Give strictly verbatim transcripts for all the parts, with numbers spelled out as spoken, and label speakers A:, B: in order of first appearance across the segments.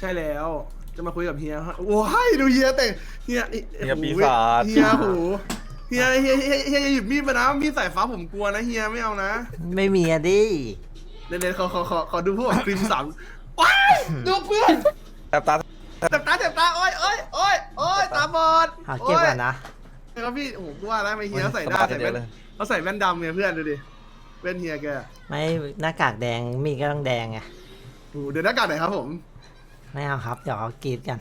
A: ช่แล้วจะมาคุยกับเฮียฮะโอ้ยดูเฮียแต่งเฮีย
B: เฮียปีศาจ
A: เฮียโหเฮียเฮียเฮียเฮียอย่าหยิบมีดมานะมีดสายฟ้าผมกลัวนะเฮียไม่เอานะ
C: ไม่มีอะดิ
A: เดี๋ยวๆขอขอขอขอดูพวกครีมสามว้ายดูเพื่อน
B: แต่ตา
A: เจ็บตาเจ็บตาโอ้ยโอ้ยโอ้ยโอ้ยตาบอด
C: หาเก็บก่อนนะ
A: โอ้ยครับพี่โอ้โหกูว่าแล้วไม่เฮียใส่หน้าใส่แว่นเขาใส่แว่นดำเนี่ยเพื่อนดูดิแว่นเฮียแก
C: ไม่หน้ากากแดงมีก็ต้องแดงไง
A: โอ้โหเดี๋ยวหน้ากากไหนครับผม
C: ไม่เอาครับเดี๋ยวเขากรีดกัน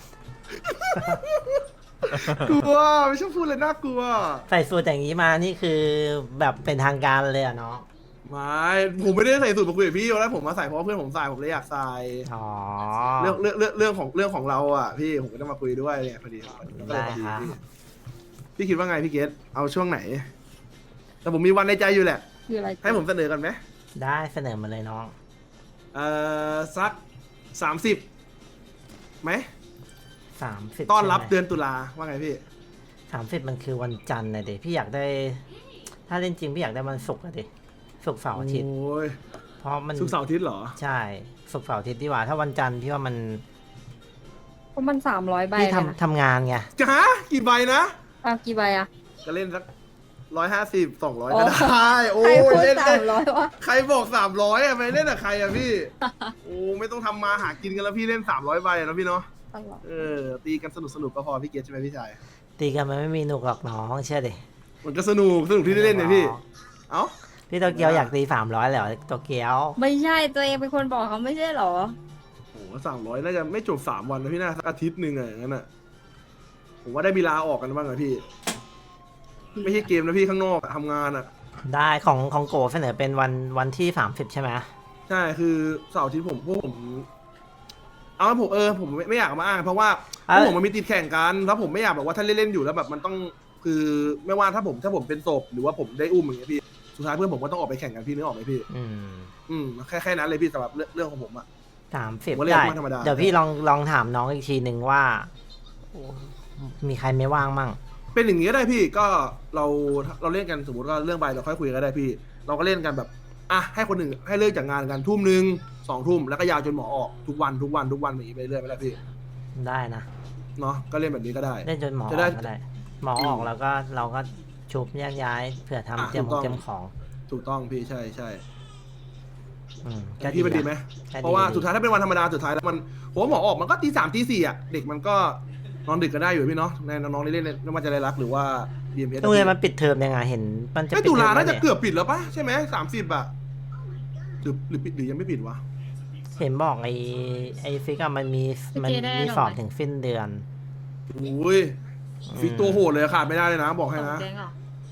A: กลัวไม่ชอบพูดเลยน่ากลัว
C: ใส่สูทอย่างนี้มานี่คือแบบเป็นทางการเลยอะเนาะ
A: ไม่ผมไม่ได้ใส่สูตรมาคุยกับพี่แล้วผมมาใส่เพราะว่าเพื่อนผมใส่ผมเลยอยากใส่
C: อ๋อ
A: เรื่องเรื่องเรื่องเรื่องของเรื่องของเราอ่ะพี่ผมก็ต้องมาคุยด้วยเนี่ยพอดี
C: ได้ครับ
A: พี่พี่คิดว่าไงพี่เกตเอาช่วงไหน แต่ผมมีวันในใจอยู่แหละ
D: คืออะไร
A: ให้ผมเสนอกันไหม
C: ได้เสนอมาเลยน้อง
A: เอ่อสักสามสิบไหม
C: สามสิบ
A: ต้อนรับเดือนตุลาว่าไงพี่
C: สามสิบมันคือวันจันทร์นะเด็พี่อยากได้ ถ้าเล่นจริงพี่อยากได้วันศุกร์อะดิศุกร์เสาร์อาทิตย์
A: โอ้ย
C: เพราะมัน
A: ศุกร์เสาร์อาทิตย์เหรอ
C: ใช่ศุกร์เสาร์อาทิตย์ดีกว่า ถ้าวันจันทร์พี่ว่ามัน
D: เพราะมันสามร้อยใบ
C: พี่
D: เลยนะ
C: ทำทำงานไง
A: จะฮะกี่ใบนะ
D: อ้าวกี่ใบอะ
A: ก็เล่นสักร้อยห้าสิบสองร้อย
D: โอ้
A: ก็ได้โอ้
D: ใครพู
A: ย
D: ด
A: เล่น
D: สา
A: ได้
D: มร้อยวะ
A: ใครบอกสามร้อยอะไปเล่นกับใครอะพี่ โอ้ไม่ต้องทำมาหากินกันแล้วพี่เล่นสามร้อยใบอะนะพี่เนาะ
D: ตลอด
A: เออตีกันสนุกสนุกก็พอพี่เกศใช่ไหมพี่ชาย
C: ตีกันมันไม่มีหนุกหรอกน้องเชื่อดิ
A: มันก็สนุกสนุกที่ได้เล่นเนี่ยพี่ เอ้า
C: พี่โตเกียวอยากตีสามร้อยแล้วโตเกียว
D: ไม่ใช่ตัวเองเป็นคนบอกเขาไม่ใช่เหรอ
A: โอ้สามร้อยน่าจะไม่จบสามวันนะพี่น่าสักอาทิตย์หนึ่งอะอย่างนั้นอะผมว่าได้มีลาออกกันบ้างอะพี่ ไม่ใช่เกมนะพี่ข้างนอกอะทำงานอะ
C: ได้ของของโกเสนอเป็นวันวันที่สามสิบใช่ไหม
A: ใช่คือเสาร์อาทิตย์ผมพวกผม เอาผมเออผมไม่ไม่อยากเอามาอ้างเพราะว่าพวกผมมันมีติดแข่งกันแล้วผมไม่อยากแบบว่าถ้าเล่นๆอยู่แล้วแบบมันต้องคือไม่ว่าถ้าผมถ้าผมเป็นศพหรือว่าผมได้อุ้มอย่างเงี้ยพี่สุดท้ายเพื่อนผมก็ต้องออกไปแข่งกันพี่นึกออกไหมพี่
C: อืม
A: อืมแค่แค่นั้นเลยพี่สำหรับเรื่องเรื่องของผมอะ
C: สามสิบ
A: ผมว่าเล่น
C: ได้
A: วันธรรมดา
C: เดี๋ยวพี่ลองลองถามน้องอีกทีหนึ่งว่า มีใครไม่ว่างมั่ง
A: เป็นอย่างนี้ก็ได้พี่ก็เราเราเล่นกันสมมติว่าเรื่องใบเราค่อยคุยกันก็ได้พี่ เราก็เล่นกันแบบอ่ะให้คนหนึ่งให้เลิกจากงานกันทุ่มหนึ่งสองทุ่มแล้วก็ยาวจนหมอออกทุกวันทุกวันทุกวันแบบนี้ไปเรื่อยไปแล้วพี่
C: ได้นะ
A: เนาะก็เล่นแบบนี้ก็ได้
C: เล่นจนหมออ
A: จะ
C: อก
A: ได้
C: ก็ได้ หมอออกแล้วก็เราก็ชุบแยกย้ายเผื่อทำ
A: อ่ะ
C: เตรียม
A: ถูกต้อง
C: เตรียมของ
A: ถูกต้องพี่ใช่ใช่
C: อืม
A: แต่พี่มันดีไหม
C: ก็
A: เพราะว่าสุดท้ายถ้าเป็นวันธรรมดาสุดท้ายแล้วมันผมว่าหมอออกมันก็ตีสามตีสี่อ่ะเด็กมันก็นอนดึกก็ได้อยู่พี่เนาะในน้องๆที่เล่นไม่ว่าจะได้รักหรือว่าบีเอ็มพี
C: โรงเรียนมันปิดเทอมยังไงเห็น มันจะ
A: ไม่
C: ปิด
A: ตุ
C: เทอ
A: ลาม น่า
C: แล้ว
A: จะ
C: เนี่ย
A: เกือบปิดแล้วปะใช่ไหมสามสิบอะหรือหรือปิดหรือยังไม่ปิดวะ
C: เห็นบอกไอ้ไอ้ฟิกอะมันมีมันมีสอบถึงสิ้นเดือน
A: โอ้ยฟิกตัวโหดเลยขาดไม่ได้เลยนะบอกให้
D: ของ
A: นะ
D: แจ้งเหรอ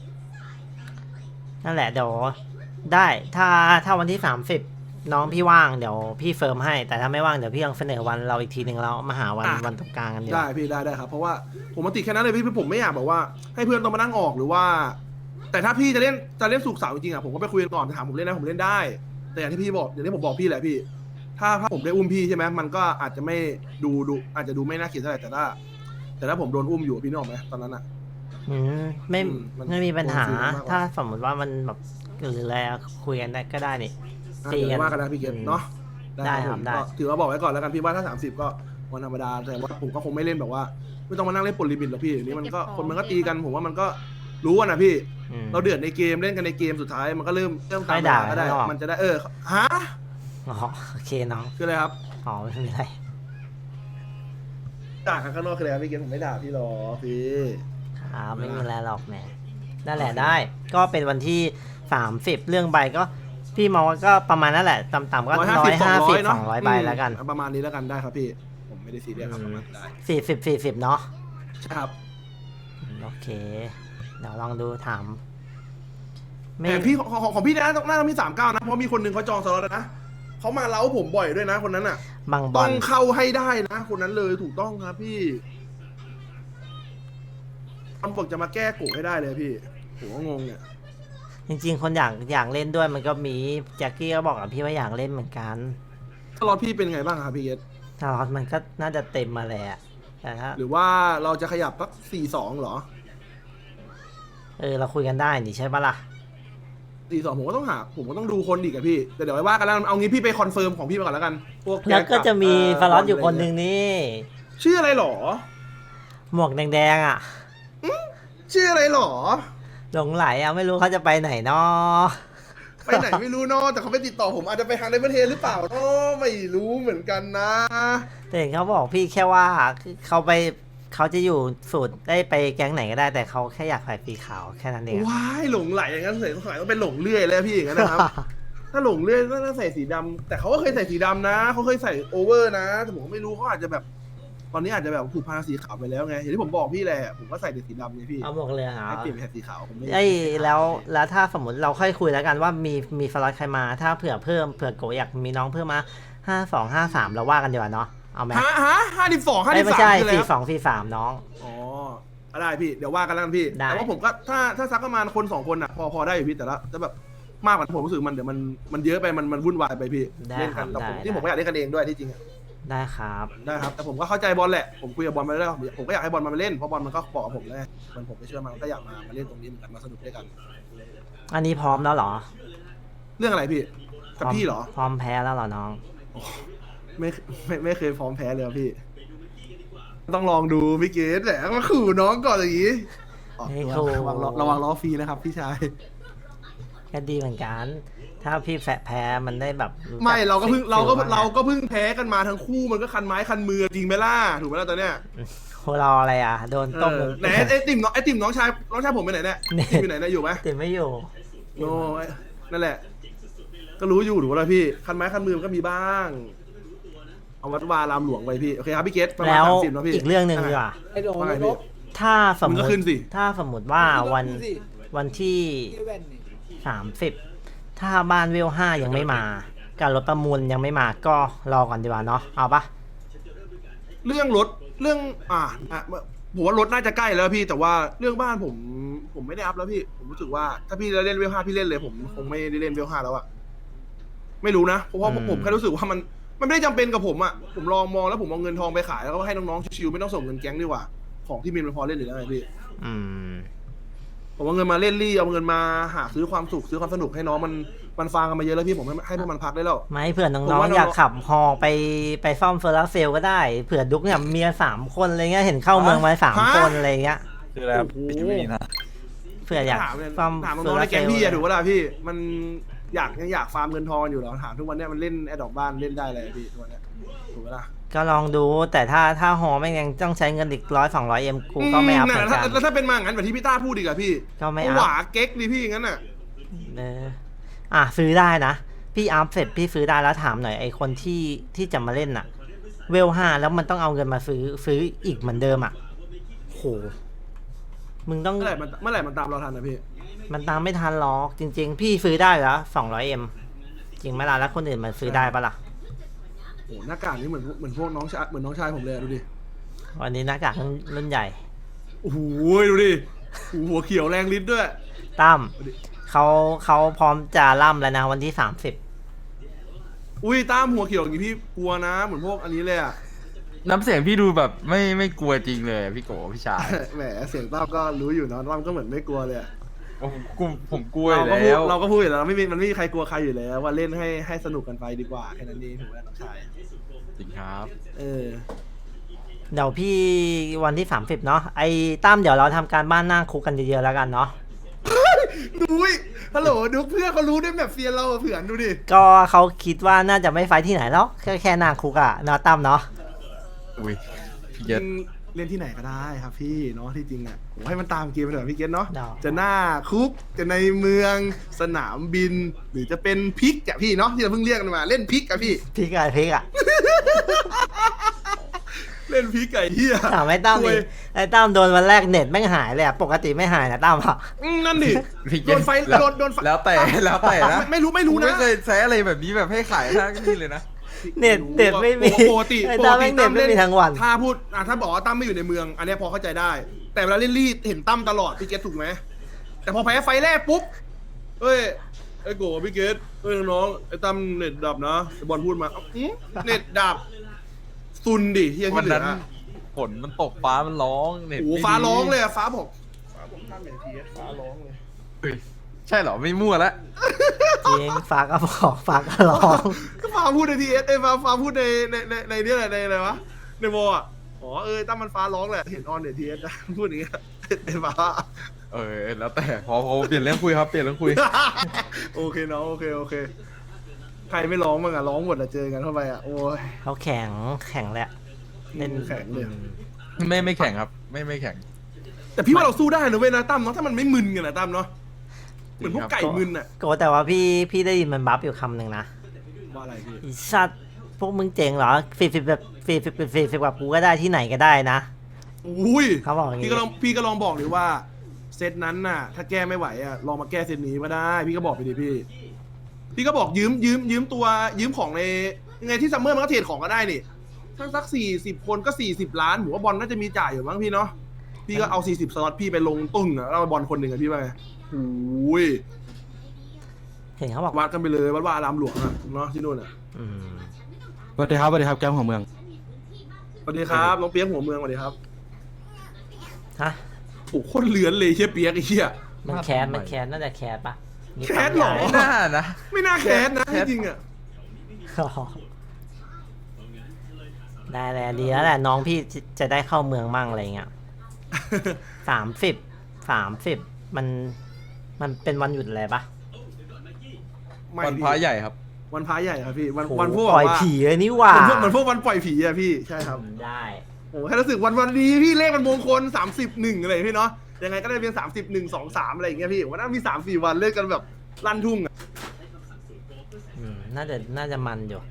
C: นั่นแหละเดี๋ยวได้ถ้าถ้าวันที่สามสิบน้องพี่ว่างเดี๋ยวพี่เฟิร์มให้ แต่ถ้าไม่ว่างเดี๋ยวพี่ลองเสนอวันเราอีกทีหนึ่งแล้วมาหาวันวันตรงกลางกันดีก
A: ได้
C: ว่า พี่
A: พี่ได้ได้ครับเพราะว่าผมมาติดแค่นั้นเลยพี่ผมไม่อยากแบบว่า ให้เพื่อนต้องมานั่งออกหรือว่า แต่ถ้าพี่จะเล่นจะเล่นสุกร์เสาร์จริงๆอะผมก็ไปคุยกันก่อนถามผมเล่นนะผมเล่นได้ แต่อย่างที่พี่บอกอย่างที่ผมบอกพี่แหละพี่ ถ้าถ้าผมได้อุ้มพี่ใช่ไหมมันก็อาจจะไม่ดูดูอาจจะดูไม่น่าเกลียดเท่าไหร่แต่ถ้า แต่ถ้าผมโดนอุ้มอยู่พี่นึกออกไหมตอนนั้นอะ
C: อืมไม่
A: อืมมัน
C: ไม่มีปัญหา
A: โดนฟิลมากกว่า
C: ถ้าสมมติว่ามันแบบหรืออะไรอะคุยกันได้ก็ได้นี่
A: อ่ะ
C: ตี
A: เดี๋ยว
C: กัน
A: ว่ากันนะพี่เกศเนาะ
C: ได้ครับ
A: ผม
C: ได้
A: ก็ถือว่าบอกไว้ก่อนแล้วกันพี่ว่าถ้าสามสิบก็วันธรรมดาแต่ว่าผมก็คงไม่เล่นแบบว่า ไม่ต้องมานั่งเล่นปนลิมิตหรอกพี่เดี๋ยวนี้มันก็คนมันก็ตีกันผมว่ามันก็รู้อะนะพี่
C: อืม
A: เราเดือดในเกมเล่นกันในเกมสุดท้ายมันก็เริ่มเริ่มตาม
C: ไม่ด่า
A: เวลก็ได้
C: ข้างนอก
A: มันจะได้เออฮะ
C: อ๋อโอเคน้อง
A: คืออะไรครับ
C: อ๋อไม่เป็นไร
A: ด่ากันข้างนอกคืออะไรครับพี่เกมผมไม่ด่าพี่หรอกพี่
C: ครับไม่มีอะไรหรอกแหมนั่นแหละได้ ก็เป็นวันที่สามสิบเรื่องใบก็พี่มองว่าก็ประมาณนั่นแหละต่ำๆก็ร้อยห้าสิบสองร้อยใบแล้วกัน
A: ประมาณนี้แล้วกันได้ครับพี่ผมไม่ได้ซีเรียสครับประมาณนั้นได้
C: สี่สิบสี่สิบเนาะ
A: ใช่ครับ
C: อืมโอเค เดี๋ยวลองดูถาม
A: แต่พี่ของของของพี่นะต้องน่าจะมีสามเก้านะเพราะมีคนหนึ่งเขาจองสล็อตแล้วนะเขามาเล้าผมบ่อยด้วยนะคนนั้นอ่ะ
C: บางบ
A: ต้
C: อ
A: อ
C: ล
A: งเข้าให้ได้นะ คนนั้นเลยถูกต้องครับพี่มันบอกจะมาแก้กูให้ได้เลยพี่ผมก็งงเนี่ย
C: จริงๆ คนอยากอยากเล่นด้วยมันก็มีแจ็คกี้ก็บอกกับพี่ว่าอยากเล่นเหมือนกัน
A: สล็อตพี่เป็นไงบ้างครับพี่เอส
C: ถ้าล็อตมันก็น่าจะเต็มมาแหละแต่ถ้า
A: หรือว่าเราจะขยับสักสี่สองเหรอ
C: เออเราคุยกันได้นี่ใช่ปะล่ะ
A: สี่สองผมก็ต้องหาผมก็ต้องดูคนอีกอะพี่แต่เดี๋ยวไว้ว่ากันแล้วเอางี้พี่ไปคอนเฟิร์มของพี่ไปก่อนแล้วกันพวก
C: แล้วก็จะมี
A: เ
C: ฟลอตอยู่คนหนึ่งนี่
A: ชื่ออะไรหรอ
C: หมวกแดงๆอ่ะ
A: ชื่ออะไรหรอ
C: หลงไหลอ่ะไม่รู้เขาจะไปไหนเนาะ
A: ไปไหนไม่รู้เนาะแต่เขาไปติดต่อผมอาจจะไปทางในประเทศหรือเปล่าเนาะไม่รู้เหมือนกันนะ
C: แต่เห็นเขาบอกพี่แค่ว่าเขาไปเขาจะอยู่สูตรได้ไปแก๊งไหนก็ได้แต่เขาแค่อยากใส่สีขาวแค่นั้นเองอะ
A: ว้ายหลงไหลอย่างนั้นเลยสงสัยต้องเป็นหลงเลื่อยแล้วพี่อย่างนั้นนะครับ ถ้าหลงเลื่อยก็ต้องใส่สีดำแต่เขาก็เคยใส่สีดำนะเขาเคยใส่โอเวอร์นะแต่ผมก็ไม่รู้เขาอาจจะแบบ ตอนนี้อาจจะแบบผูกพันสีขาวไปแล้วไงอย่างที่ผมบอกพี่แหละผมก็ใส่แต่สีดำไงพี่
C: เอาหมวกเลยเหรอ
A: ให้เปลี่ยนเป็นสีขาวผมไม่
C: ไอ้ยแล้วแล้วถ้าสมมติเราค่อยคุยแล้วกันว่ามีมีฟลอตใครมา ถ้าเผื่อเพิ่มเผื่อโกอยากมีน้องเพิ่มมาห้าสองห้าสามเราว่ากันดีกว่าเนาะเอาไหม
A: ฮะฮะห้าสิบสองห้า
C: เอ้
A: สิ
C: ย
A: บ
C: ไม่
A: สาม
C: ใช่
A: คืออะไร
C: สี่
A: ครับ
C: สองสี่สามน้อง
A: อ๋อได้พี่เดี๋ยวว่ากันแล้วกันพี่
C: ได้
A: แต่ว่าผมก็ถ้าถ้าซักประมาณคนสองคนอ่ะพอพอได้อยู่พี่แต่ละจะแบบมากกว่านั้นผมรู้สึกมันเดี๋ยวมันมันเยอะไปมันมันวุ่นวายไปพี่
C: ได้
A: เล่น
C: ค
A: กั
C: รั
A: น
C: บ
A: แต่ผม
C: ได้
A: ที่ผมก็อยากเล่นกันเองด้วยที่จริงอะ
C: ได้ครับ
A: ได้ครับแต่ผมก็เข้าใจบอลแหละผมคุยกับบอลมาแล้วผมก็อยากให้บอลมาเล่นเพราะบอลมันก็บอกกับผมแล้วไงมันผมไม่เชื่อมันก็อยากมามาเล่นตรงนี้เหมือนกันมาสนุกด้วยกัน
C: อันนี้พร้อมแล้วเหรอ
A: เรื่องอะไรพี่กับพี่เหรอ
C: พร้อมแพ้แล้วเหรอน้อง
A: ไม่ไม่ไม่เคยพร้อมแพ้เลยครับพี่ ต้องลองดูพี่เกดแหละมาขู่น้องก่อนอย่างนี้อ๋อ
C: ไม่ขู่
A: ระวังล้อระวังล้อฟรีนะครับพี่ชาย
C: ก็ดีเหมือนกัน ถ้าพี่แฝะแพ้มันได้แบบจั
A: ไม่เราก็เพิ่งเราก็
C: ฟิลบ้
A: เราก็เพิ่งแพ้กันมาทั้งคู่มันก็คันไม้คันมือจริงไหมล่ะถูกไหมล่ะตอนเนี้ย
C: โหเราอะไรอ่ะ โดนต้ม
A: เออไหนไอ้ติ่มน้องไอ้ติ่มน้องชายน้องชายผมไปไหนเนี่ย
C: นี่
A: ติ่มอยู่ไหนเนี่ยอยู่ไหม
C: ติดไม่อยู่
A: โน้ยนั่นแหละ ก็รู้อยู่ถูกไหมล่ะพี่คันไม้คันมือมันก็มีบ้าง เอาวัดวารามหลวงไปพี่โอเคครับพี่เกดประมาณ
C: แล้ว
A: สามสิบนะพี่
C: อีกเรื่องหนึ่งดีกว่า
B: ไอ้โดน
A: ว่าไง
B: ล
A: พี่
B: บ
C: ถ้าสมม
A: มึงก็
C: ติ
A: ขึ้นสิ
C: ถ้าสมมติว่าวัน
B: ดูสิ
C: วันที่
B: ที่แว่นนี่
C: สามสิบถ้าบ้านเวลห้ายังไม่มาการรถประมูลยังไม่มาก็รอก่อนดีกว่าเนาะเอาปะ
A: เรื่องรถเรื่องอ่าอ่ะผมว่ารถน่าจะใกล้แล้วพี่ แต่ว่าเรื่องบ้านผมผมไม่ได้อัพแล้วพี่ ผมรู้สึกว่าถ้าพี่จะเล่นเวลห้าพี่เล่นเลย ผมคงไม่ได้เล่นเวลห้าแล้วอะไม่รู้นะเพราะว่าผมแค่รู้สึกว่ามันมันไม่ได้จำเป็นกับผมอะผมลองมองแล้วผมเอาเงินทองไปขายแล้วก็ให้น้องๆชิวๆไม่ต้องส่งเงินแก๊งดีกว่าของที่มีมันพอเล่นอยู่แล้วไงพี่
C: อืม
A: ผมเอาเงินมาเล่นรี่เอาเงินมาหาซื้อความสุขซื้อความสนุกให้น้องมันมันฟังกันมาเยอะแล้วพี่ผมให้ให้พวกมันพักได้แล้ว
C: ไม่เผื่อ
A: ผม
C: น้อง
A: ว่าน้อง
C: ๆอยากขับฮอไปไปซ่อมโซลาร์เซลล์ก็ได้เผื่อดุ๊กเนี่ยเมียสามคนอะไรเงี้ยเห็นเข้าเมืองมาสาม
A: ฮะ
C: คนอะไรเงี้ย
E: คืออะไรครับ
A: โอ้โห
E: พี่ไม่มีนะ
C: เผื่ออยาก
A: ถามเนี่ย
C: ซ่อม
A: ถาม
C: โซ
A: น้องๆ
C: ลา
A: ใน
C: ร์เซ
A: แก๊
C: ล
A: ง
C: ล์
A: พี่อะถูกปะล่ะพี่ มันอยากยังอยากฟาร์มเงินทองอยู่เหรอถามทุกวันเนี้ยมันเล่นแอดดอกบ้านเล่นได้เลยพี่ทุกวันเนี้ยถูกปะล่ะ
C: ก็ลองดูแต่ถ้าถ้าฮอไม่งยังต้องใช้เงินอีกร้อยสองร้อยเอ็มกูก็ไม่อัพเหมือน
A: ถ้า
C: กัน
A: แล้วถ้าเป็นมางั้นแบบที่พี่ต้าพูดดีกว่าพี่
C: ก็ไม่อัพ
A: หวาเก๊กดิพี่งั้นน่ะ
C: เอออ่ะซื้อได้นะพี่อัพเสร็จพี่ซื้อได้แล้วถามหน่อยไอคนที่ที่จะมาเล่นน่ะ เวลห้าแล้วมันต้องเอาเงินมาซื้อซื้ออีกเหมือนเดิมอ่ะโหมึงต้อง
A: เมื่อไหร่มันเมื่อไหร่มันตามเราทันนะพี่
C: มันตามไม่ทันหรอกจริง ๆ พี่ซื้อได้แล้วสองร้อยเอ็มจริงไหมล่ะแล้วคนอื่นมันซื้อได้ปะล่ะ
A: โอ้หน้ากากนี่เหมือนเหมือนพวกน้องชายเหมือนน้องชายผมเลยอะดูดิ
C: วันนี้หน้ากากรุ่นใหญ่
A: โอ้โหดูดิโอ้โหหัวเขียวแรงลิ้นด้วย
C: ตั้มเขาเขาพร้อมจะล่ำแล้วนะวันที่สามสิบ
A: อุ้ยตามหัวเขียวอย่างงี้พี่กลัวนะเหมือนพวกอันนี้เลยอะ
E: น้ำเสียงพี่ดูแบบไม่ไม่กลัวจริงเลยอะพี่โกพี่ชาย
A: แหมเสียงต้อมก็รู้อยู่เนาะต้อมก็เหมือนไม่กลัวเลยอะ
E: ผมกลัวผมกลัวอ
A: เรา
E: ยู่
A: ก็พูด
E: แล้ว
A: เราก็พูดอยู่แล้วไม่มีมันไม่มีใครกลัวใครอยู่แล้วว่าเล่นให้ให้สนุกกันไปดีกว่าแค่นั้นเองถูกไหมน้องชาย
E: จริงครับ
A: เออ
C: เดี๋ยวพี่วันที่สามสิบเนาะไอ้ตั้มเดี๋ยวเราทำการบ้านหน้าคุกกันเยอะๆแล้วกันเนาะ
A: ดูยฮัลโหลดูเพื่อนเขารู้ด้วยแบบเฟียนเราอะเผื่อนดูดิ
C: ก็เขาคิดว่าน่าจะไม่ไฟท์ที่ไหนแล้วแค่แค่หน้าคุกอะเนาะตั้มเนาะ
E: อุ้ยพี่เย็ด
A: เล่นที่ไหนก็ได้ครับพี่เนาะที่จริงอ่ะผมให้มันตามเกมไปเถอะพี่เกตเนาะ
C: เดี๋ยว
A: จะหน้าคุกจะในเมืองสนามบิน หรือจะเป็นพิกอะพี่เนาะที่เราเพิ่งเรียกกันมาเล่นพิกอะพี่
C: พี่กายพี่อะ
A: เล่นพิกไก่เฮีย
C: ถามไอ้ตั้ม
A: โอ้
C: ดิ
A: ย
C: ไอ้ตั้มโดนวันแรกเน็ตแม่งหายเลยอะปกติไม่หายนะตั้มอะ
A: อืมนั่นดิ
E: พี่
A: โด
E: เย็
A: นไฟ
E: แล้ว
A: โดนโดนไฟ
E: แล้วแต่แล้วแต่นะ
A: ไม่ไม่รู้ไม่รู้
E: ผม
A: นะ
E: ไม่เคยใช้อะไรแบบนี้แบบให้ขายท่านี่เลยนะ
C: เน็ตเน็ตไม่มี
A: ปกติ
C: ไอ้
A: ป
C: ตั้
A: ก
C: ม
A: ติ
C: แม่งเน็ตไม่มีทั้งวัน
A: ถ้าพูดอ่ะถ้าบอกว่าตั้มไม่อยู่ในเมือง อันเนี้ยพอเข้าใจได้ แต่เวลาเล่นรีดเห็นตั้มตลอดพี่เกตถูกไหมแต่พอแพ้ไฟแรกปุ๊บเอ้ยไอ้โกพี่เกตเอ้ยน้องไอ้ตั้มเน็ตดับนะไอ้บอลพูดมาเอ้าอื้อเน็ตดับซุนดิเฮีย
E: วั
A: ที่
E: น
A: เหลื
E: นั้
A: อน
E: ฝนมันตกฟ้ามันร้องเน็ต
A: โอ้โห
E: ไม่ดี
A: ฟ้าร้องเลยอะฟ้าบอกฟ้าบอกตั้มเน็ตทีฟ้าร้องเลย
E: เฮ้ยใช่เหรอไม่มั่วละ
C: จริงฟ้าก็บอกฟ้าก็ร้อง
A: ก็ฟ้าพูดในทีเอสเอ้ยฟ้าฟ้าพูดในในในในเนี่ยแหละในอะไรวะในโมอ่ะอ๋อเออตั้มมันฟ้าร้องแหละเห็นออนเดี๋ยวทีเอสนะพูดอย่างเงี้ยไอ้ฟ้า
E: เออแล้วแต่พอพอเปลี่ยนเรื่องคุยครับเปลี่ยนเรื่องคุย
A: โอเคน้องโอเคโอเคใครไม่ร้องมั้งอะร้องหมดอะเจอกันเข้าไปอะโอ้ย
C: เขาแข็งแข็งแหละเล่น
A: แข็งเลย
E: ไม่ไม่แข่งครับ ไม่ไม่แข่ง
A: แต่พี่ว่าเราสู้ได้นะเว้ยนะตั้มเนาะถ้ามันไม่มึนกันนะตั้มเนาะเหมือนพวกไก่มึนอะ
C: โกแต่ว่าพี่พี่ได้ยินมันบัฟอยู่คำหนึ่งนะ
A: ว่าอะไรพี่
C: อีสัตว์พวกมึงเจ๋งเหรอฟีฟิแบบฟีฟิเป็นฟีฟิแบบกูก็ได้ที่ไหนก็ได้นะ
A: อุ้ย
C: เขาบอกอย่างงี้
A: พี่ก็ลองพี่ก็ลองบอกเลยว่าเซตนั้นน่ะ ถ้าแก้ไม่ไหวอะลองมาแก้เซตนี้ก็ได้ พี่ก็บอกไปดิพี่ พี่ก็บอกยืมยืมยืมตัวยืมของในยังไงที่ซัมเมอร์มันก็เทรดของก็ได้นี่ถ้าสักสี่สิบคนก็สี่สิบล้านผมว่าบอลน่าจะมีจ่ายอยู่มั้งพี่เนาะพี่ก็เอาสี่สิบสล็อตพี่ไปลงตุ้งอะแล้วเอาบอลคนหนึ่งอะพี่ว่าไงโอ้ย
C: เห็นเขาบอก
A: วัดกันไปเลยวัดว่าอารามหลวงอะเนาะที่นู่นอะ
C: อืม
B: สวัสดีครับสวัสดีครับแก้มของเมือง
A: สวัสดีครับน้องเปียกหัวเมืองสวัสดีครับ
C: ฮะ
A: โอ้โหโคตรเลือนเลยเฮียเปียกไอ้เหี้ย
C: มันแคสมันแคสน่าจะแคสปะนี่
A: แคสเหรอ
C: ปั๊
E: ไม่
C: มยา
E: น่านะ
A: ไม่น่าแค้นนะ
E: แค้น
A: จริงๆอะ
C: อ๋อได้แหละดีแล้วแหละน้องพี่จะจะได้เข้าเมืองมั่งอะไรเงี้ยสามสิบสามสิบมันมันเป็นวันหยุดอะไรปะ
A: ไม่
E: วัน
A: พี่
E: พระใหญ่ครับ
A: วันพระใหญ่ครับพี่วัน
C: โห
A: วันพวก
C: ปล่อย
A: แบบว่า
C: ผีเลยนี่หว่า
A: เหมือนพวกเหมือนพวกวันปล่อยผีอะพี่ใช่ครับ
C: ได้
A: โอ้โหให้รู้สึกวันวันนี้พี่เลขมันมงคลสามสิบหนึ่งอะไรพี่เนาะยังไงก็ได้เป็นสามสิบหนึ่งสองสามอะไรอย่างเงี้ยพี่วันนั้นมีสามสี่วันเล่นกันแบบลั่นทุ่งอะ
C: อืมน่าจะน่าจะมันอยู่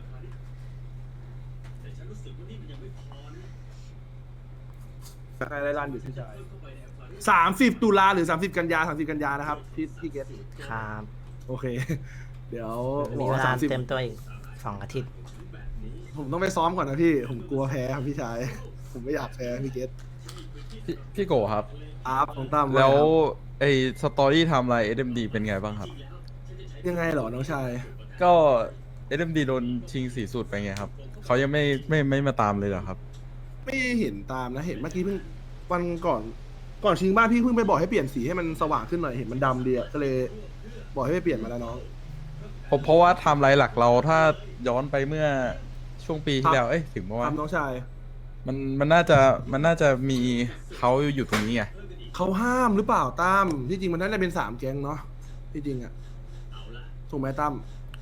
A: อะไรลั่นอยู่พี่ชายสามสิบตุลาหรือสามสิบกันยาสามสิบกันยานะครับพี่พี่เกต
C: ครับ
A: โอเค เดี๋ยว
C: มี
A: บอก
C: เว
A: ว่า
C: ลา
A: สามสิบ
C: เต็มตัวอีกสองอาทิตย์
A: ผมต้องไปซ้อมก่อนนะพี่ ผมกลัวแพ้ครับพี่ชาย ผมไม่อยากแพ้พี่เกต
E: พี่พี่โกครับ
A: อาร์ฟของตั้ม
E: แล้ว
A: า
E: ไอ้สตอรี่ไทม์ไลน์ เอส เอ็ม ดี เป็นไงบ้างครับ
A: ยังไงเหรอน้องชาย
E: ก็ เอส เอ็ม ดี โดนชิงสีสูตรไปไงครับเขายังไม่ไม่ไม่มาตามเลยเหรอครับ
A: ไม่เห็นตามนะเห็นเมื่อกี้เพิ่งวันก่อนก่อนชิงบ้านพี่เพิ่งไปบอกให้เปลี่ยนสีให้มันสว่างขึ้นหน่อยเห็นมันดำดีอะก็เลยบอกให้ไปเปลี่ยนมาแล้วน้อง
E: เพราะเพราะว่าไทม์ไลน์หลักเราถ้าย้อนไปเมื่อช่วงปีที่แล้ว เอ้ยถึงเมื่อวาน
A: ทำน้องชาย
E: มันมันน่าจะมันน่าจะมีเขาอยู่ตรงนี้ไง
A: เขาห้ามหรือเปล่าตั้มที่จริงมันน่าจะเป็นสามแก๊งเนาะที่จริงอะถูกไหมตั้ม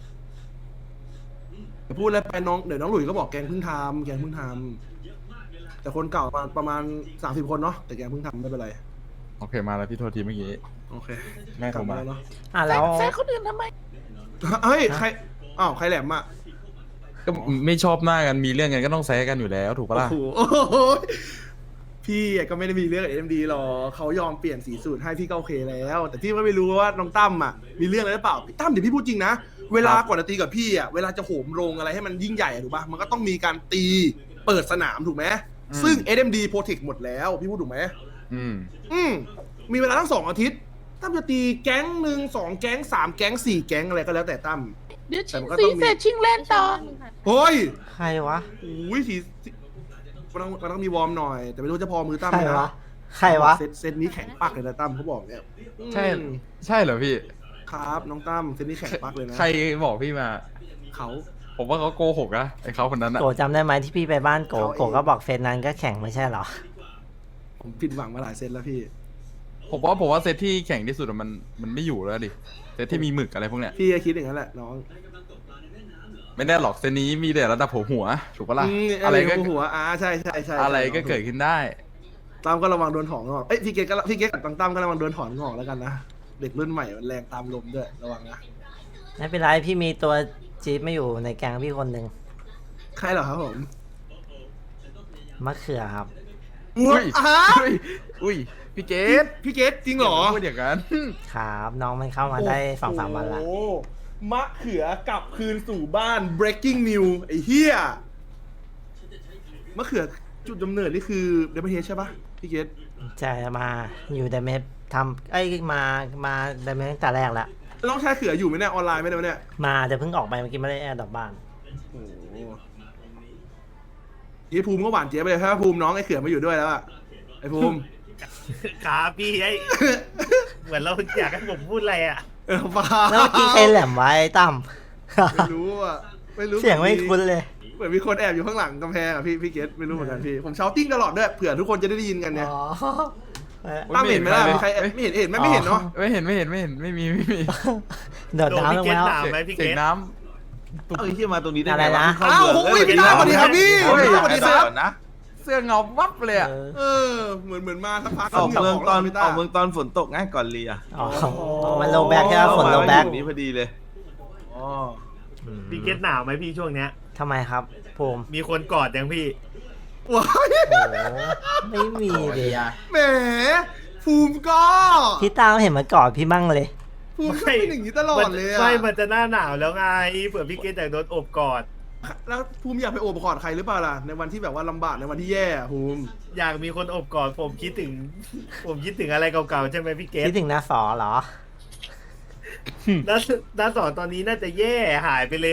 A: แต่พูดแล้วไปน้องเดี๋ยวน้องหลุยส์ก็บอกแก๊งเพิ่งทำแก๊งเพิ่งทำแต่คนเก่าประมาณประมาณสามสิบคนเนาะแต่แก๊งเพิ่งทำไม่เป็นไร
E: โอเคมาแล้วพี่โทษทีเมื่อกี้
A: โอเค
E: แม่โทรมา
A: กลับแล้วเนาะ
C: อ่ะแล้ว
A: เฮ้ยใครอ้าวใครแหลมอะ
E: ก็ไม่ชอบหน้ากันมีเรื่องกันก็ต้องแซะกันอยู่แล้วถูกปะล่ะ
A: โอ้โหพี่ก็ไม่ได้มีเรื่องกับเอ็มดีหรอกเขายอมเปลี่ยนสีสูตรให้พี่ก็โอเคแล้ว แต่พี่ก็ไม่รู้ว่าน้องตั้มอ่ะมีเรื่องอะไรหรือเปล่าพี่ตั้มเดี๋ยวพี่พูดจริงนะเวลาก่อนจะตีกับพี่อ่ะเวลาจะโหมโรงอะไรให้มันยิ่งใหญ่อะถูกปะมันก็ต้องมีการตีเปิดสนามถูกไหมซึ่ง เอส เอ็ม ดี Protect หมดแล้วพี่พูดถูกไหม
E: อืม
A: อืมมีเวลาทั้งสองอาทิตย์ตั้มจะตีแก๊งหนึ่งสองแก๊งสามแก๊งสี่แก๊งอะไรก็แล้วแต่ตั้ม
F: เดี๋ยว
A: แต่
F: ชิ
A: มั
F: ง
A: นก็
F: สี
A: ต้องมี
F: เสร็จชิงเล่นต่อ
A: เฮ้ย
C: ใครวะ
A: อุ้ยสีสีมันต้องมันต้องมีวอร์มหน่อย แต่ไม่รู้จะพอมือตั้ม
C: ใคร
A: ไหม
C: วะ
A: นะ
C: ใครวะ
A: เซตเซตนี้แข็งปักเลยนะตั้มเขาบอกเนี่ย
E: ใช่
A: อืม
E: ใช่เหรอพี่
A: ครับน้องตั้มเซตนี้แข็งปักเลยนะ
E: ใครบอกพี่มา
A: เขา
E: ผมว่าเขาโกหกนะไอ้เขาคนนั้นอะ
C: โกจำได้ไหมที่พี่ไปบ้านโก
A: เขาเอง
C: โกก็บอกเฟซนั้นก็แข่งไม่ใช่เหรอ
A: ผมผิดหวังมาหลายเซตแล้วพี่
E: ผมว่าผมว่าเซตที่แข่งที่สุดอะมันมันไม่อยู่แล้วดิเซตที่มีหมึกอะไรพวกเนี้ย
A: พี่ก็คิดอย่างนั้นแหละน้อง
E: ไม่แน่หรอกเซตนี้มีแต่ระดับหัวหัวถูกปะล่ะ
A: อืม
E: อะไรก็
A: หัวอ่าใช่ใช่ใช่
E: อะไรก็
A: ใช่
E: เกิดขึ้นได้
A: ตั้มก็ระวังโดนถอนงอกเอ้ยพี่เกตก็พี่เกตกับตั้มตั้มก็ระวังโดนถอนงอกแล้วกันนะเด็กรุ่นใหม่มันแรงตามลมด้วยระวังนะ
C: ไม่เป็นไรพี่มีตัวจี๊ดไม่อยู่ในแกงพี่คนหนึ่ง
A: ใครเหรอครับผม
C: มะเขือครับ
E: อุ้ย
A: อ่ะ
E: อุ้ยอุ้ยพี่เก
A: พี่
E: ต
A: พี่เกตจริงเหรอ
E: พูดอย่างนั้น
C: ครับน้องมันเข้ามาได้สองสามวันละ
A: โอ้โหมะเขือกลับคืนสู่บ้าน breaking news ไอ้เหี้ยมะเขือจุดกำเนิดนี่คือเดมเทใช่ปะพี่เกต
C: จะมาอยู่แต่เมฟทำไอ้ยมามาแต่เมฟตั้งแต่แรกแล้ว
A: น้องชายเขืออยู่ไหมเนี่ยออนไลน์ไหมเนี่ย
C: มาแต่เพิ่งออกไปเมื่อกี้ไม่ได้แอร์ดอกบ้าน
A: โอ้โหยี่ภูมิก็หวานเจี๊ยบไปเลยถ้าภูมิน้องไอ้เขือมาอยู่ด้วยแล้วอะไอ้ภูมิ
G: ครับพี่ไอ้ เหมือนเราอยากให้ผมพูดอะไรอ่ะ
A: เออเปล่า
C: แล้วเมื่อกี้ใครแหลมไว้ตั้ม
A: ไม่รู้อ่ะไม่รู้
C: เสียงไม่คุ้นเลย
A: เหมือนมีคนแอบอยู่ข้างหลังกำแพงอ่ะพี่พี่เกตไม่รู้เหมือนกันพี่ผมเชาติ้งตลอดด้วยเผื่อทุกคนจะได้ยินกันเนี่ย
C: อ๋อ
A: ตั้มเห็นไหมล่ะมีใครแอบไม่เห็นเห็นไหมไม่เห็นเนาะ
E: ไม่เห็นไม่เห็นไม่เห็นไม่มีไม่มี
C: โดดน้ำลงไปแล้ว
F: ถามไหมพี่เก
E: เสีย
F: ต
E: งน้
G: เอ้ยที่มาตรงนี้ได้
C: อะไร
G: ไงว
C: นะ
A: อ้าวโอ้ยพี่ตั้มสวัสดีครับพี่
E: โอ้ย
A: พี่ตั้มสวัสดีครับ
G: นะ
E: ำเสื้อเงาวับเลยอะ
C: เออ
A: เออเหมือนเหมือนมาสักพัก
G: ออกเมืองตอน
A: พี่
G: อ
A: ตั้
G: อ
A: ม
G: กเมืองตอนฝนตกง่ายก่อนเรีย
C: อ๋อมันโลแบ็กใช่ไหมฝนโลแบ็ก
G: มาอยู่นี้พอดีเลยอ๋อ
F: พี่เกตหนาวไหมพี่ช่วงเนี้ย
C: ทำไมครับภูมิ
F: มีคนกอดยังพี่
A: ว้าย
C: โอ้ไม่มีเลย
A: แหมภูมิก็
C: พี่ตั้มเห็นมากอดพี่มั่งเลย
A: ภูมิก็เป็นอย่างนี้ตลอดเลยอะ
F: ไม่มันจะหน้าหนาวแล้วไงเผื่อพี่เกตอยากโดนอบกอด
A: แล้วภูมิอยากไปโอบกอดใครหรือเปล่าล่ะในวันที่แบบว่าลำบากในวันที่แย่อะภูมิ
F: อยากมีคนอบกอดผมคิดถึง ผมคิดถึงอะไรเก่าๆใช่ไหมพี่เกต
C: คิดถึงนาสอเหรอ
F: น้าน้าสอนตอนนี้น่าจะแย่หายไปเลย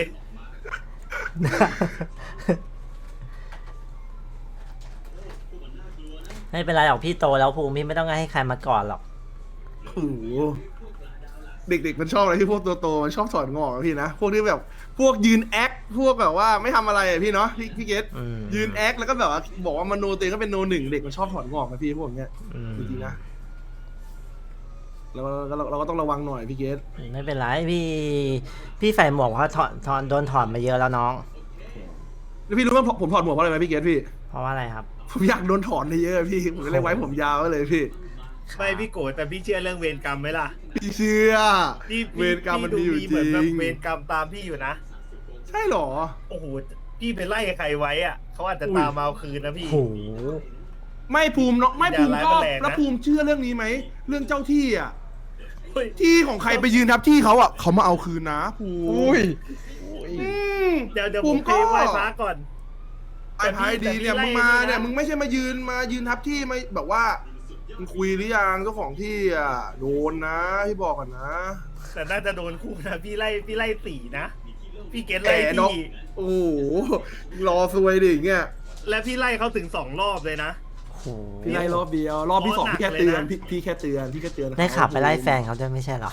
C: ไม่เป็นไรหรอกพี่โตแล้วภูมิพี่ไม่ต้องให้ใครมากอดหรอก
A: โอ้โหเด็กๆมันชอบอะไรที่พวกตัวโตมันชอบถอดงอกอะพี่นะพวกที่แบบพวกยืนแอคพวกแบบว่าไม่ทำอะไรอะพี่เนาะพี่พี่เกต
C: อืม
A: ยืนแอคแล้วก็แบบว่าบอกว่ามันโนตัวเองก็เป็นโนหนึ่งเด็กมันชอบถอดงอกนะพี่พวกเนี้ย
C: อืม
A: จริงๆนะเราเราเราก็ต้องระวังหน่อยพี่เกต
C: ไม่เป็นไรพี่ พี่ใส่หมวกเพราะถอดถอดโดนถอดมาเยอะแล้วน้อง
A: แล้วพี่รู้ว่าผมถอดหมวกเพราะอะไรไหมพี่เกตพี่
C: เพราะว่าอะไรครับ
A: ผมอยากโดนถอนเยอะๆพี่ผมก็เลยไว้ผมยาวไว้เลยพี่
F: ไม่พี่โกรธแต่พี่เชื่อเรื่องเวรกรรมไหมล่ะ
A: พี่เชื่อ
F: พี่
A: เวรกรรมมันมีอยู่จ
F: เหมือนแบบ
A: ริง
F: เวรกรรมตามพี่อยู่นะ
A: ใช่เหรอ
F: โอ้โหพี่ไปไล่ใครไว้อ่ะเขาอาจจะตามมาเอาคืนนะพี่
C: โห
A: ไม่ภูมิเนาะไม่ภูมิ
F: อย่า
A: ก็
F: ร้ายแรงนะ
A: แล้วภูมิเชื่อเรื่องนี้ไหมเรื่องเจ้าที่อ่ะ
F: เฮ้ย
A: ที่ของใครไปยืนทับที่เขาอ่ะเขามาเอาคืนนะภูมิ
E: อุ้ย
A: อืม
F: เดี๋ยวเดี๋ยว
A: ภู
F: ผม
A: มิ
F: เพ
A: ก็
F: ลงไหว้พระก่อน
A: ไอ้พายดีเนี่ย
F: แต่
A: มึ
F: พี่
A: งมา
F: ไล่
A: เนี่ย
F: นะ
A: มึงไม่ใช่มายืนมายืนทับที่ไม่แบบว่ามึงคุยหรือยังเจ้าของที่อ่ะโดนนะพี่บอกกันนะ
F: แต่น่าจะโดนคู่นะพี่ไล่พี่ไล่สี่นะ พี่เกต
A: แต่
F: ไล่
A: นก
F: พี่
A: โอ้โหรอซวยดิอย่างเงี้ย
F: และพี่ไล่เขาถึงสองรอบเลยนะ
C: โห
A: พี่ไล่รอบเดียวรอบที่สอง
F: โอ้หนั
A: พี่
F: ก
A: แค่เตือน
F: เลยนะ
A: พี่พี่แค่เตือนพี่แค่เตือน
C: ได้ขับไปไล่แฟนเขาด้วยไม่ใช่เหรอ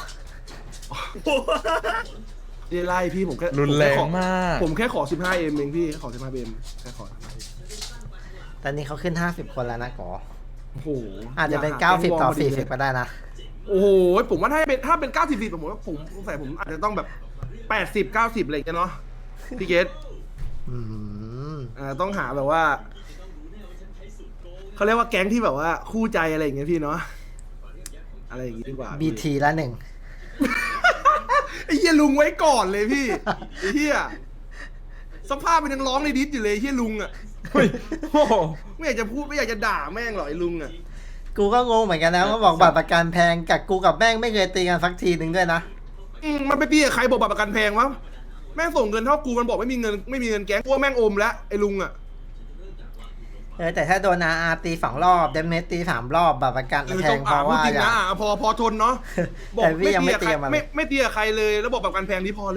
A: ไม่ได้ไล่พี่ผมแค่
E: รุนแรง
A: ผมแค่ขอ
E: มาก
A: ผมแค่ขอสิบห้าเอ็มเองพี่ขอสิบห้าเอ็มแค่ขอ
C: ตอนนี้เขาขึ้นห้าสิบคนแล้วนะก๋อ
A: โอ้โห
C: อาจจะเป็น
A: ย
C: เก้าสิบ
A: แก๊งว
C: ต่อ
A: พดี
C: สี่
A: เลย
C: สิบก็ได้นะ
A: โอ้โหผมว่าถ้าเป็นถ้าเป็นเก้าสิบสี่ผมว่าผมสงสัยผมอาจจะต้องแบบแปดสิบเก้าสิบอะไรอย่างเงี้ยเนาะพี่เกต
C: อืม
A: อ่าต้องหาแบบว่าเขาเรียกว่าแก๊งที่แบบว่าคู่ใจอะไรอย่างเงี้ยพี่เนาะอะไรอย่างงี้ดีกว่า
C: บีทีละหนึ่ง
A: ไอ้เฮียลุงไว้ก่อนเลยพี่ไอ้เฮียสภาพเป็นยังร้องในดิสอยู่เลยไอ้เฮียลุงอ่ะ
E: เฮ้ยโอ้โห
A: ไม่อยากจะพูดไม่อยากจะด่าแม่งหรอกไอ้ลุงอ่ะ
C: กูก็งงเหมือนกันนะเขาบอกบัตรประกันแพงกับกูกับแม่งไม่เคยตีกันสักทีหนึ่งด้วยนะ
A: อืมมันไปตีกับใครบอกบัตรประกันแพงวะแม่งส่งเงินเท่ากูมันบอกไม่มีเงินไม่มีเงินแก๊งกูว่าแม่งอมแล้วไอ้ลุงอ่ะ
C: เออแต่ถ้าโดนอาอาตีสองรอบเดมเมสตีสามรอบบัตรประกัน
A: เออ
C: แพ
A: ต้อง ง
C: เพ
A: อ่า
C: ราะ
A: พูด
C: ว่า
A: จริง
C: อย่า
A: นะอ่ะพอพอทนเนาะบอก
C: แต่พี่
A: ไม่
C: ยัง
A: ตี
C: ไม่
A: กับ
C: ตี
A: ใคร
C: กับมัน
A: ไม่ไม่ตีกับใครเลยแล้วบอกบัตรประกันแพงนี้พอเลย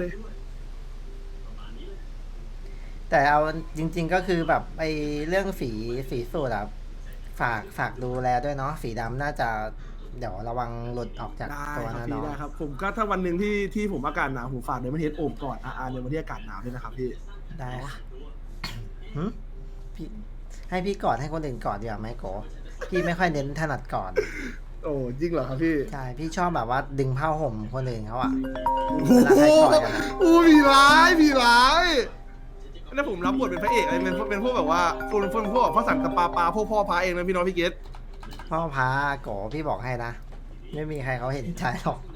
C: แต่เอาจริง ๆก็คือแบบไอ้เรื่องสีสีสูตรอะฝากฝากดูแลด้วยเนาะสีดำน่าจะเดี๋ยวระวังหลุดออกจาก
A: ได้
C: ตัว
A: ครับ
C: นะ
A: พี่
C: น้อง
A: ได้ครับผมก็ถ้าวันหนึ่งที่ที่ผมอากาศหนาวผมฝากเดมอนเฮดโอบก่อนอาร์ในวันที่อากาศหนาวด้วยนะครับพี่
C: ได้ค่ะหึพี่ให้พี่กอดให้คนอื่นกอดดีกว่าไหมโกพี่ไม่ค่อยเน้นถนัดกอด
A: โอ้จริงเหรอครับพี่
C: ใช่พี่ชอบแบบว่าดึงผ้าห่มคนอื่นเขาอะ
A: โอ้
C: เวลา
A: โห
C: ใครกอดกันอะ
A: อู้มีร้ายมีร้ายนั่นผมรับบทเป็นพระเอกอะไรเป็นเป็นพวกแบบว่าฟูนฟูนพวกพ่อสันกับปลาปลาพวกพ่อพระเองนะพี่น้องพี่เกต
C: พ่อพาโกพี่บอกให้นะไม่มีใครเขาเห็นใจหรอก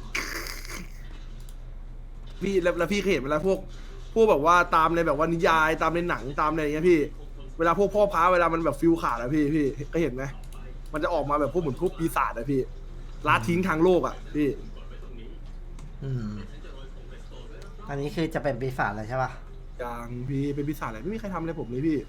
A: พี่แล้วแล้วพี่เคยเห็นเวลาพวกพวกแบบว่าตามในแบบว่านิยายตามในหนังตามในอย่างเงี้ยพี่ เวลาพวกพ่อพระเวลามันแบบฟิลขาดอะพี่พี่ก็เห็นไหมมันจะออกมาแบบพวกเหมือนพวกปีศาจอะพี่ละทิ้งทางโลกอะพี่
C: อืมอันนี้คือจะเป็นปีศาจเลยใช่ป่ะ
A: อย่างพี่เป็นปีศาจอะไรไม่มีใครทำอะไรผมเลยพี่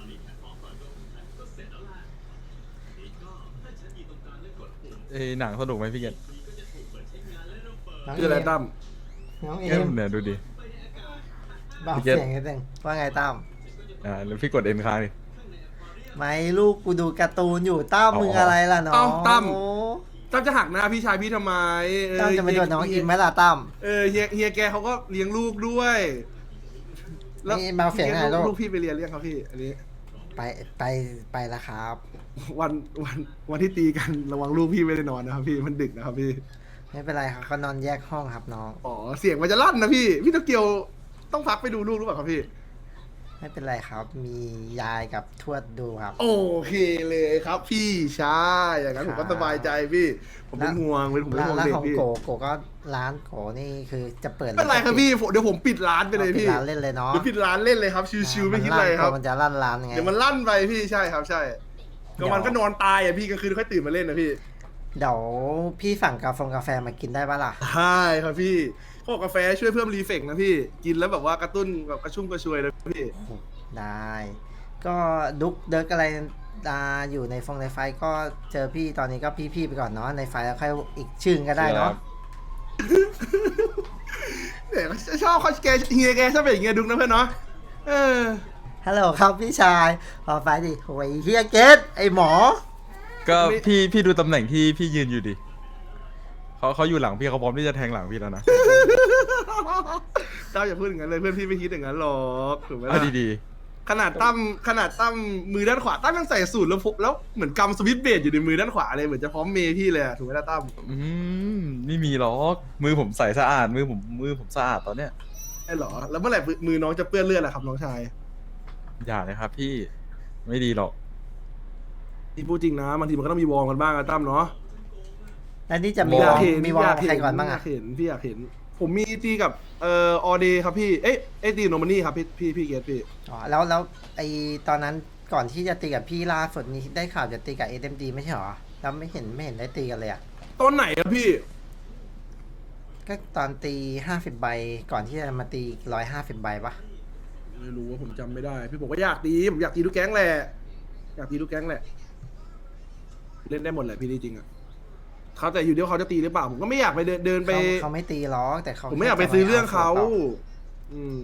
E: เอ้ยหนังสนุกไหมพี่เกต
C: น้อง
A: คืออะไร
C: เม
A: ตั้ม
C: น้องเอ
E: เอ็
C: ม
E: มเนี่ยดูดิ
C: เบา
E: พี่เกต
C: เสียงนิดนึงว่าไงตั้ม
E: อ่าแล้วพี่กดเอ็นค้างดิ
C: ไม่ลูกกูดูการ์ตูนอยู่ตั้ม
E: อ๋อ
C: มึงอะไรล่ะน้อง
A: เอ้าตั้ม
C: โอ้
A: ตั้มจะหักหน้าพี่ชายพี่ทำไมเออ
C: ตั้มจะไปโดนน้อง
A: เฮี
C: อิ
A: ย
C: มไหมล่ะตั้ม
A: เออเฮียเฮียแกเขาก็เลี้ยงลูกด้วย
C: นี่มาเสียงไหนลูก
A: ลูกพี่ไปเรียนเรียกครับพี่ อันนี้
C: ไปไปไปแล้วครับ
A: วันวันวันที่ตีกันระวังลูกพี่ไม่ได้นอนนะครับพี่มันดึกนะครับพี่
C: ไม่เป็นไรครับเขานอนแยกห้องครับน้อง
A: อ๋อเสียงมันจะลั่นนะพี่พี่โตเกียวต้องพักไปดูลูกหรือเปล่าครับพี่
C: ไม่เป็นไรครับ มียายกับทวดดูครับ
A: โอเคเลยครับพี่ใช่อย่างนั้นผมก็สบายใจพี่ ผมเป็นห่วงเป็นผมเป็น
C: ร้าน
A: ห่วง
C: ร้าน
A: เด็ก
C: ของ
A: พี่
C: โกโกก็ร้านโกนี่คือจะเปิด
A: ไม่เป็นไรครับพี่ผมเดี๋ยวผมปิดร้านไปเลย
C: อาปิด
A: พี่
C: ร้านเล่นเลยเนาะ
A: เดี๋ยวปิดร้านเล่นเลยครับชิวๆไม่คิดอะไรครับ
C: มันจะลั่นร้านไง
A: เดี๋ยวมันลั่นไปพี่ใช่ครับใช่กลางวันก็นอนตายอ่ะพี่กลางคืนค่อยตื่นมาเล่นนะพี่
C: เดี๋ยวพี่สั่งกาแฟกาแฟมากินได้ปะล่ะ
A: ใช่ครับพี่พวกกาแฟช่วยเพิ่มรีเฟกนะพี่กินแล้วแบบว่ากระตุ้นแบบกระชุ่มกระชวยนะพี่
C: ได้ ก็ดุกเดิร์กอะไรอ่าอยู่ในฟงในไฟก็เจอพี่ตอนนี้ก็พี่ๆไปก่อนเนาะในไฟแล้วค่อยอีกชื่อก็ได้เนาะ
A: เนี่ยชอบเขาแกเฮียแกชอบเป็นอย่างเงี้ยดุกนะเพื่อนเนาะเออ
C: ฮัลโหลครับพี่ชายพอไฟดิโอ้ยเฮียเกตไอหมอ
E: ก็พี่พี่ดูตำแหน่งที่พี่ยืนอยู่ดิเขาเขาอยู่หลังพี่เขาพร้อมที่จะแทงหลังพี่แล้วนะ
A: เจ้าอย่าพูดอย่างนั้นเลยเพื่อนพี่ไม่คิดอย่างนั้นหรอกถูกไหม
E: เอา
A: ล่ะ
E: ดี
A: ขนาดตั้มขนาดตั้มมือด้านขวาตั้มยังใส่สูตรแล้วพกแล้วเหมือนกำสวิตช์เบรดอยู่ในมือด้านขวาเลยเหมือนจะพร้อมเมย์พี่เลยอะถูกไหมล่ะตั้ม
E: ๆอืมไม่มีหรอกมือผมใส่สะอาดมือผมมือผมสะอาดตอนเนี้ย
A: ไอ้เหรอแล้วเมื่อไหร่มือน้องจะเปื้อนเลือดล่ะครับน้องชาย
E: อย่าเลยครับพี่ไม่ดีหรอก
A: ที่พูดจริงนะบางทีมันก็ต้องมีวอร์มกันบ้างอะตั้มเนาะ
C: แล้วนี่จะมี
A: พี่
C: ว
A: อ
C: อย
A: ากเห็น
C: มีวอ
A: พี่
C: ล
A: อยาก
C: ใคร
A: เห็น
C: ก่อนบ้าง
A: พี่อ
C: อะ
A: ยากเห็นพี่อยากเห็น ผมมีตีกับเอ่อออเดย์ครับพี่เอ๊ะเอ๊ะตีโนมานี่ครับพี่พี่พี่เกตพี่
C: อ๋อแล้วแล้วไอตอนนั้นก่อนที่จะตีกับพี่ล่าสุดนี้ได้ข่าวจะตีกับเอ็มดีไม่ใช่หรอแล้วไม่เห็นไม่เห็นได้ตีกันเลยอะ
A: ตอนไหนอะพี่
C: ก็ตอนตีห้าสิบใบก่อนที่จะมาตีร้อยห้าสิบใบปะ
A: ไม่รู้ว่าผมจำไม่ได้ พี่ผมก็อยากตีผมอยากตีทุกแก๊งแหละอยากตีทุกแก๊งแหละเล่นได้หมดแหละพี่จริงๆอะเขาแต่อยู่เดียวเขาจะตีหรือเปล่าผมก็ไม่อยากไปเดินเดินไป
C: เขาเขาไม่ตีหรอกแต่เขา
A: ผมไม่อยากไปซื้อเรื่องเขา
C: แค่จะม
A: อืม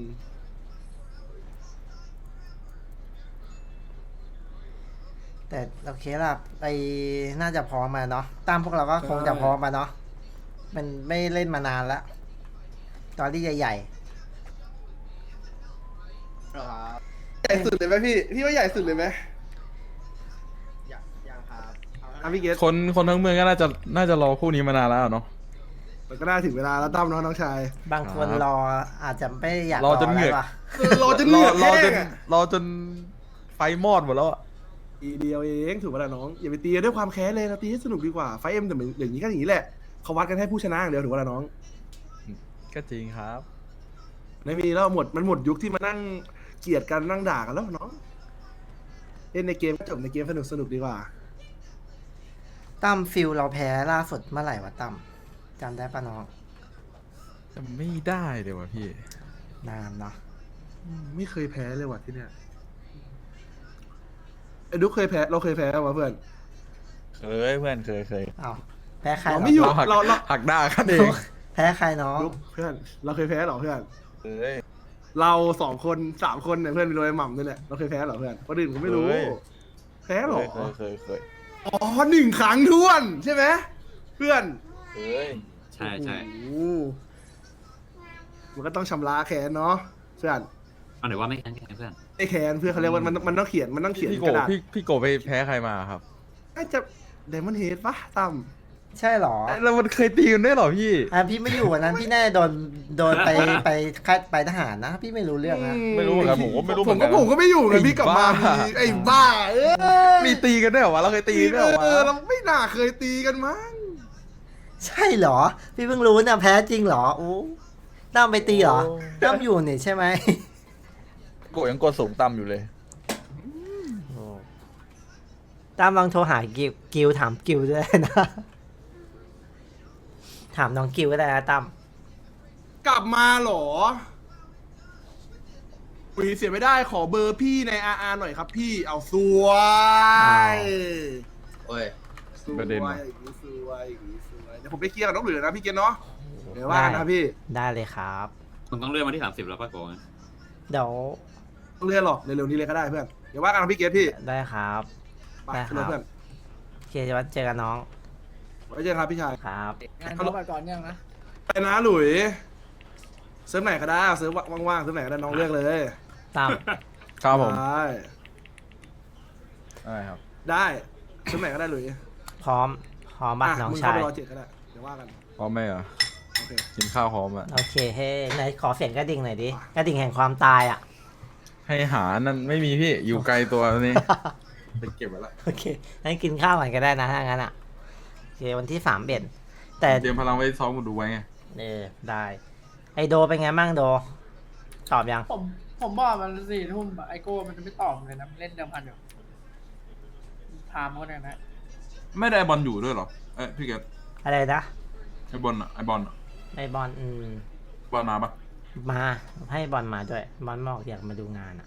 C: แต่โอเคล่ะไอน่าจะพร้อมมาเนาะตามพวกเราก็คงจะพร้อมมาเนาะมันไม่เล่นมานานแล้วตอนที่ใหญ่
A: ใหญ่สุดเลยไหมพี่พี่ว่าใหญ่สุดเลยไหม
F: ยังครับ
A: อ่ะพี่เกต
E: คนคนทั้งเมืองก็น่าจะน่าจะรอคู่นี้มานานแล้วเนาะ
A: มันก็น่าถึงเวลาแล้วตั้มเนาะน้องชาย
C: ๆ บางคน
E: ครับ
C: รออาจจะไม่อยาก
E: รอจนเหงื่อ
C: แล้วว่ะ
A: เออรอจนเหนื่อย
E: รอจ
A: แห้
E: น
A: งอะ
E: รอจนไฟมอดหมดแล้วอะ
A: ทีเดียวเองถูกป่ะล่ะน้องอย่าไปตีกันด้วยความแค้นเลยเราตีให้สนุกดีกว่าไฟเอ็มแต่เหมือนอย่างนี้ก็อย่างนี้แหละเขาวัดกันให้ผู้ชนะอย่างเดียวถูกป่ะล่ะน้อง
E: ก็จริงครับ
A: ไม่มีแล้วหมดมันหมดยุคที่มานั่งเกลียดกันนั่งด่ากันแล้วน้องเล่นในเกมก็จบในเกมสนุกสนุกดีกว่า
C: ตั้มฟิลเราแพ้ล่าสุดเมื่อไหร่วะตั้มจำได้ปะน้อง
E: จะไม่ได้เลยว่ะพี่
C: นานเนาะ
A: อืมไม่เคยแพ้เลยว่ะที่เนี่ยไอ้ดุ๊กเคยแพ้เราเคยแพ้ป่ะเพื่อน
E: เคยเพื่อนเคยเคย
C: อ้าวแพ้ใคร
A: เรา
C: เหร
A: ไม่อยู่
E: หัก
A: เราเรา
E: หักหน้ากันเอง
C: แพ้ใครน้อง
A: ดุ๊กเพื่อน เราเคยแพ้เหรอเพื่อน
E: เคย
A: เราสองคนสามคนเนี่ยเพื่อนมีโรยหม่ำด้วยเนี่ยเราเคยแพ้เหรอเพื่อนคนอื่นผมไม่รู้ แพ้เหรอ
E: เคยเคยเคย
A: อ๋อหนึ่งครั้งท้วนใช่ไหมเพื่อน
E: เคย
H: ใช่ใช่
A: โอ้โหมันก็ต้องชำระแค้นเนาะเพื่อน
H: เอาหน่อยว่าไม่แข็งแรงเพื่อน
A: ไอ้แค้นเพื่อนเขาเรียกว่ามันมันต้องเขียนมันต้องเขียน
E: พี่
A: ก
E: โก
A: ระดาษ
E: พี่พี่โกไปแพ้ใครมาครับ
A: น่าจะเดมอนเฮดปะตั้ม
C: ใช่เหรอ
E: แล้วมันเคยตีกันด้วยเหรอพี่
C: อ่ะพี่ไม่อยู่วันนั้นพี่น่าจะโดนโดนไปไปค่ายไปทหารนะ พี่ไม่รู้เรื่องนะ
E: ไม่รู้เหมือนกันผมก็ไม่รู้เห
A: ผ
E: มื
A: ม
E: อนกั
A: ก็
E: น
A: ผมก็ไม่อยู่ไงพี่กลับมา
E: ไอ้
A: มี
E: บ้า
A: ไอ้บ้า เออ
E: มีตีกันด้วยเหรอวะเราเคยตีกันด้วยเหรอวะ
A: เออเราไม่น่าเคยตีกันมั้ง
C: ใช่เหรอ พี่เพิ่งรู้เนี่ยแพ้จริงเหรอโอ้ตั้มไปตีเหรอตั้มอยู่นี่ใช่ไหม
E: โกยังกดสูงต่ำอยู่เลย
C: ตั้มลองโทรหากิวกิวถามกิวด้วยนะ ถามน้องกิวก็ได้นะตั้ม
A: กลับมาเหรออุ้ยเสียไม่ได้ขอเบอร์พี่ในอาร์หน่อยครับพี่เอาสวย
H: โอ้ย
A: สวย
E: ประเด็น
A: อ
E: ว่ะ
A: ย่างนี้สวยอย่างนี้สวยเดี๋ยวผมไปเคลียร์กับน้องเหลือนะพี่เกณฑ์เนาะเดี๋ยวว่ากันนะพี่
C: ได้เลยครับ
H: มึงต้องเลื่อนมาที่สามสิบแล้วป่ะโกง
C: เดี๋ยว
A: ต้องเลื่อนหรอกเร็วๆนี้เลยก็ได้เพื่อนเดี๋ยวว่ากันนะพี่เกณฑ์พี่
C: ได้ครับ
A: ไป
C: ได้ครับ
A: เพื่อน
C: โอเคจะว่าเจอกันน้อง
A: ไว้เจอกันครับพี่ชาย
C: ครับ
I: งานเขาไปก่อนยังนะ
A: ไปนะหลุยเซิร์ฟไหนก็ได้เซิร์ฟว่างๆเซิร์ฟไหนก็ได้น้องเลือกเลย
C: ตาม
E: ครับผม
A: ได้
E: ได้ครับ
A: ได้เซิร์ฟไหนก็ได้หลุย
C: พร้อมพร้อมบัตร
A: อ่ะ
C: น้อง
A: มึง
C: ชา
A: เข้าย ไปรอเจ็ดก็ได้เดี๋ยวว่ากัน
E: พร้อมไหมเหรอ
A: โอเค
E: กินข้าวพร้อมอ่ะ
C: โอเคเฮ้ไหนขอเสียงกระดิ่งหน่อยดิ กระดิ่งแห่งความตายอ่ะ
E: ให้หานั่นไม่มีพี่อยู่ไกลตัวนี้ ไปเก็บไว้ละ
C: โอเคงั้นกินข้าวก่อนก็ได้นะถ้างั้นอ่ะ โอเควันที่สามเบ็ดแต่
E: เตรียมพลังไว้ซ้อมกูดูไว้ไง
C: เออได้ ไอโดเป็นไงบ้างโด ตอบยัง
I: ผมผมบอกมันสี่ทุ่มไอโก้มันจะไม่ตอบเลยนะมันเล่นเดิมพันอยู่ถามเขาเนี่ยนะ
E: ไม่ได้บอลอยู่ด้วยเหรอเอ้ยพี่เกด
C: อะไรนะ
E: ไอบอลอ่ะไอบอลอ่ะ
C: ไอบอลอืม
E: บอลมาปะ
C: มาให้บอลมาด้วย บอลบอกอยากมาดูงานอ่ะ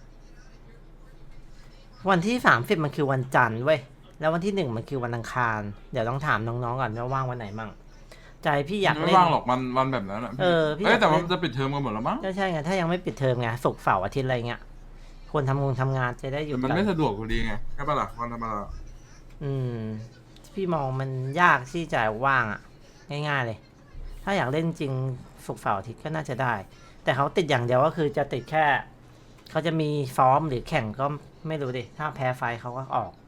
C: วันที่สามสิบมันคือวันจันทร์เว้ย แล้ววันที่หนึ่งมันคือวันอังคาร เดี๋ยวต้องถามน้องๆก่อนว่าว่างวันไหนมั่ง ใจพี่อยาก
E: ไม่
C: เล่น
E: ว่างหรอกวันวันแบบนั้นอ่ะพี่
C: เออพี่
E: เอ้ยแต่
C: อยากเล่
E: มัน นจะปิดเทอมกันหมดแล้วมั้ง
C: ก็ใช่ไง ถ้ายังไม่ปิดเทอมไงศุกร์เสาร์อาทิตย์อะไรเงี้ยคนทำงานทำงานจะได้อยู่
E: แต่มัน
C: กั
E: ไม่สะดวกพอดีไงใช่ปะล่ะวันธรรมดา
C: อืม พี่มองมันยากที่จะว่างอ่ะ ง่ายๆเลย ถ้าอยากเล่นจริงศุกร์เสาร์อาทิตย์ก็น่าจะได้ แต่เขาติดอย่างเดียวก็คือจะติดแค่ เขาจะมีซ้อมหรือแข่งก็ไม่รู้ดิ ถ้าแพ้ไฟเขาก็ออก